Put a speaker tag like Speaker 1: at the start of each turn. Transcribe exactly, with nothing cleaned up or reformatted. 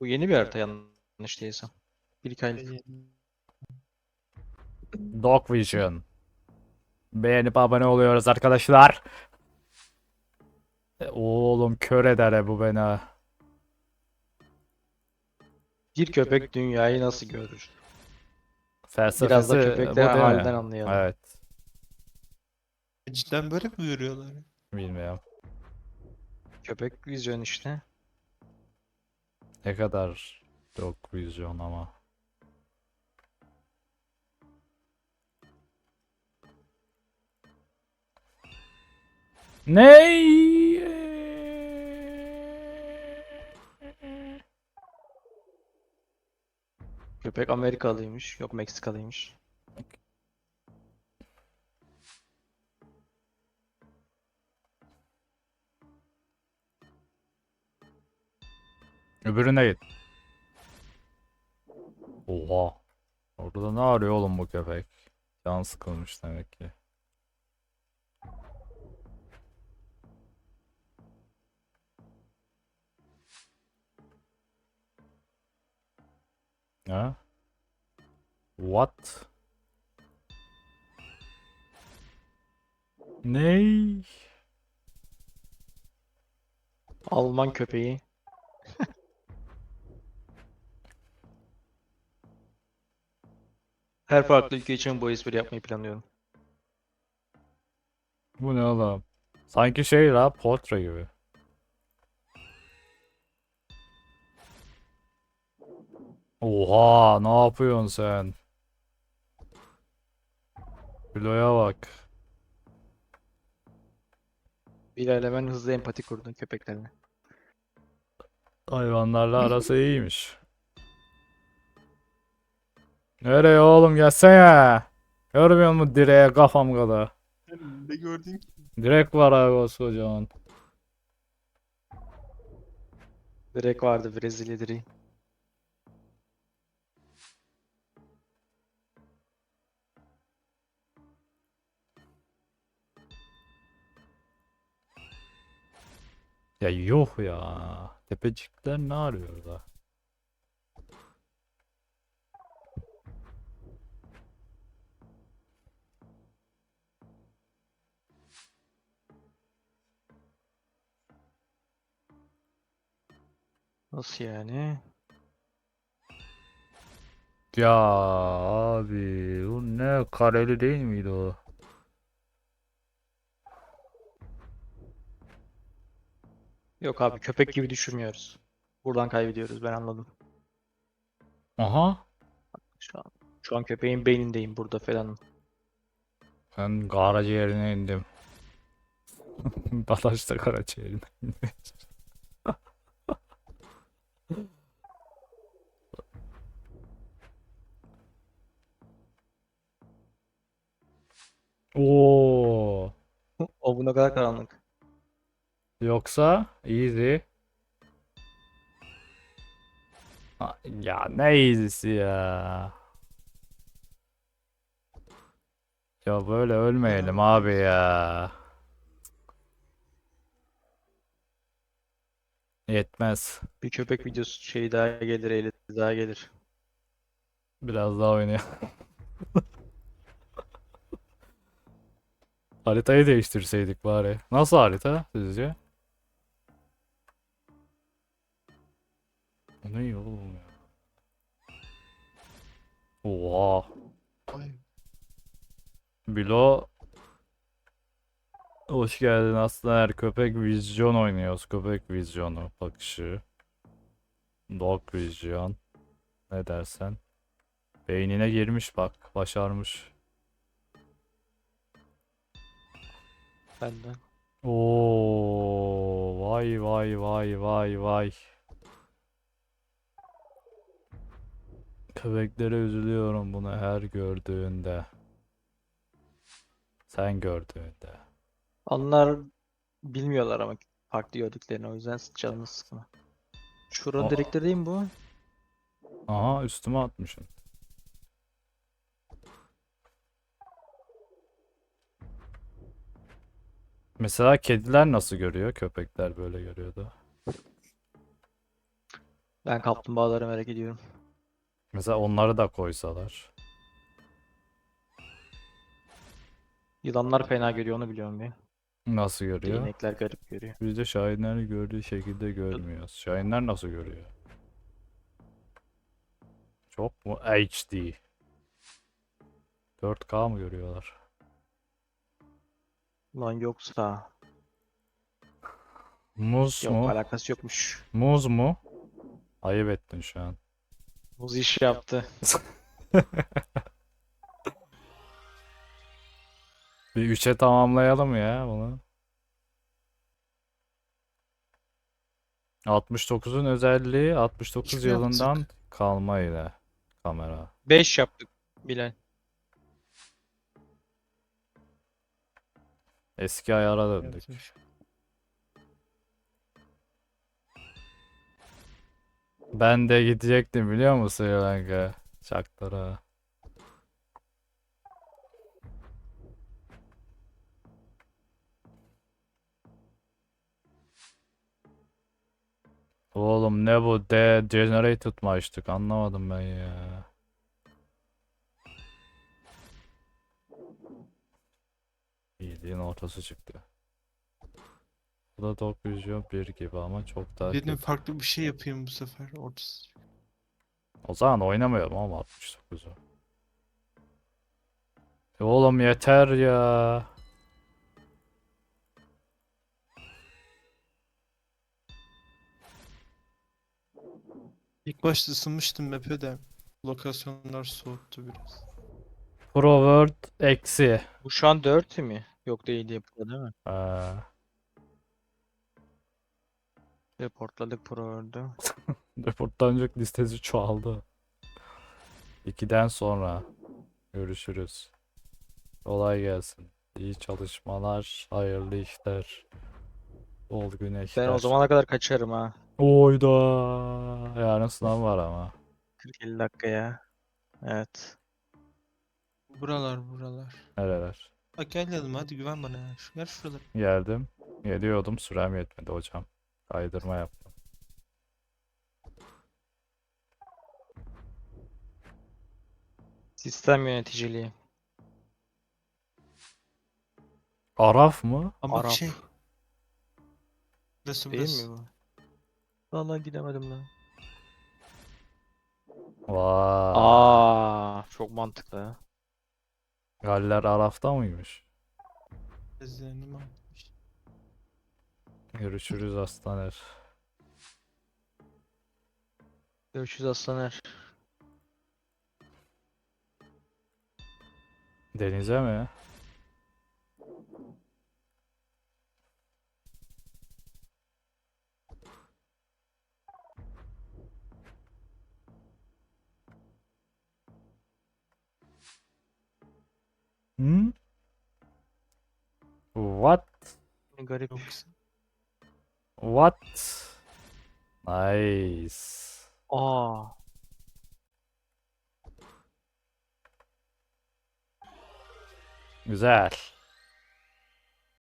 Speaker 1: Bu yeni bir harita yanlış değilsem. Bir iki aylık.
Speaker 2: Ee,
Speaker 3: Dog Vision. Beğenip abone oluyoruz arkadaşlar. E, Oğlum kör eder e bu beni.
Speaker 1: Bir köpek dünyayı nasıl görür? Biraz da
Speaker 3: Felsefesi
Speaker 1: köpeklerin
Speaker 3: bu değil mi?
Speaker 1: halinden anlayalım.
Speaker 3: Evet.
Speaker 2: Cidden böyle mi görüyorlar?
Speaker 3: Bilmiyorum.
Speaker 1: Köpek vizyon işte.
Speaker 3: Ne kadar Dog Vision ama. Ney?
Speaker 1: Köpek Amerikalıymış. Yok Meksikalıymış.
Speaker 3: Öbürüne git. Oha. Orada ne arıyor oğlum bu köpek? Can sıkılmış demek ki. Ha? What? Ney?
Speaker 1: Alman köpeği. Her farklı ülke için bu espri yapmayı planlıyorum.
Speaker 3: Bu ne oğlum? Sanki şey la portre gibi. Oha, ne yapıyorsun sen? Kiloya bak.
Speaker 1: Bilal hemen hızlı empati kurdun köpeklerine.
Speaker 3: Hayvanlarla arası iyiymiş. Nereye oğlum, gelsene. Görmüyor musun direğe kafam kadar?
Speaker 2: Sen ne gördün ki?
Speaker 3: Direk var abi kocaman.
Speaker 1: Direkt vardı Brezilya direği.
Speaker 3: Ya yuh ya. Tepecikler ne arıyor da?
Speaker 1: Nasıl yani?
Speaker 3: Ya abi bu ne, kareli değil miydi o?
Speaker 1: Yok abi köpek gibi düşürmüyoruz. Buradan kaybediyoruz ben anladım.
Speaker 3: Aha.
Speaker 1: Şu an, şu an köpeğin beynindeyim burada falan.
Speaker 3: Ben karaciğerine indim. Dadaş da karaciğerine. Oo.
Speaker 1: O bu ne kadar karanlık.
Speaker 3: Yoksa easy. Ha, ya ne easy'si ya. Ya böyle ölmeyelim
Speaker 2: Ya,
Speaker 3: abi ya. Yetmez.
Speaker 1: Bir köpek videosu şey daha gelir, eğlenti daha gelir.
Speaker 3: Biraz daha oynayalım. Haritayı değiştirseydik bari. Nasıl harita sizce? Bu ne oğlum ya? Oha.
Speaker 2: ay,
Speaker 3: Bilo, hoş geldin aslan. Köpek vizyon oynuyoruz. Köpek vizyonu bakışı. Dog vizyon. Ne dersen. Beynine girmiş bak. Başarmış.
Speaker 1: Benden.
Speaker 3: Oo, vay vay vay vay vay. Köpeklere üzülüyorum bunu her gördüğünde. Sen gördüğünde.
Speaker 1: Onlar bilmiyorlar ama farklı gördüklerini o yüzden canını sıkma. Şuranın
Speaker 3: Aa,
Speaker 1: direkleri değil mi bu?
Speaker 3: aha, üstüme atmışsın. Mesela kediler nasıl görüyor? Köpekler böyle görüyordu.
Speaker 1: Ben kaplumbağaları merak ediyorum.
Speaker 3: Mesela onları da koysalar.
Speaker 1: Yılanlar fena görüyor onu biliyorum bir.
Speaker 3: Nasıl görüyor?
Speaker 1: Değnekler garip görüyor.
Speaker 3: Biz de şahinleri gördüğü şekilde görmüyoruz. Şahinler nasıl görüyor? Çok mu H D? dört K mı görüyorlar?
Speaker 1: Lan yoksa.
Speaker 3: Muz
Speaker 1: Yok,
Speaker 3: mu?
Speaker 1: alakası yokmuş.
Speaker 3: Muz mu? Ayıp ettin şu an.
Speaker 1: Muz iş yaptı.
Speaker 3: Bir üçe tamamlayalım ya bunu. altmış dokuzun özelliği altmış dokuz
Speaker 2: Kim
Speaker 3: yılından
Speaker 2: yapacak?
Speaker 3: kalma ile kamera.
Speaker 1: beş yaptık Bilal.
Speaker 3: Eski ayara döndük.
Speaker 2: Yapmış.
Speaker 3: Ben de gidecektim biliyor musun Sri Lanka? Çaklara. Oğlum ne bu? Degenerated mı açtık? Anlamadım ben ya. İyiliğin ortası çıktı. Bu da Dog Vision bir gibi ama çok daha
Speaker 2: Dedim
Speaker 3: kötü.
Speaker 2: farklı bir şey yapayım bu sefer. Ortası.
Speaker 3: O zaman oynamayalım ama altmış dokuzu. E oğlum yeter ya.
Speaker 2: İlk başta ısınmıştım map'e de. Lokasyonlar soğuttu biraz.
Speaker 3: Pro World eksi.
Speaker 1: Bu şu an dört mi? Yok değil yapıyor değil mi?
Speaker 3: Ee,
Speaker 1: Reportladık Pro World'ü.
Speaker 3: Reportlanacak listesi çoğaldı. ikiden sonra görüşürüz. Kolay gelsin. İyi çalışmalar, hayırlı işler, bol
Speaker 1: Ben o
Speaker 3: güneşler.
Speaker 1: zamana kadar kaçarım ha.
Speaker 3: Oyda. Yarın sınav var ama.
Speaker 1: kırk elli dakikaya. Evet.
Speaker 2: Buralar buralar.
Speaker 3: Nereler?
Speaker 2: Bak gel yanıma hadi güven bana ya. Şu, gel şuralara.
Speaker 3: Geldim. Geliyordum. Sürem yetmedi hocam. Kaydırma yaptım.
Speaker 1: Sistem yöneticiliği.
Speaker 3: Araf mı?
Speaker 2: Ama bak
Speaker 1: Arap.
Speaker 2: şey. Burası
Speaker 1: Değil
Speaker 2: burası.
Speaker 1: mi bu? Vallahi gidemedim lan.
Speaker 3: Vay.
Speaker 1: Aa, çok mantıklı.
Speaker 3: Galler Araf'ta mıymış?
Speaker 2: Bezlerini almış.
Speaker 3: Görüşürüz Aslaner.
Speaker 1: Görüşürüz Aslaner.
Speaker 3: Denize mi? Hı? What?
Speaker 1: Ne garip.
Speaker 2: Yoksa.
Speaker 3: What? Nice.
Speaker 1: Aa,
Speaker 3: Güzel.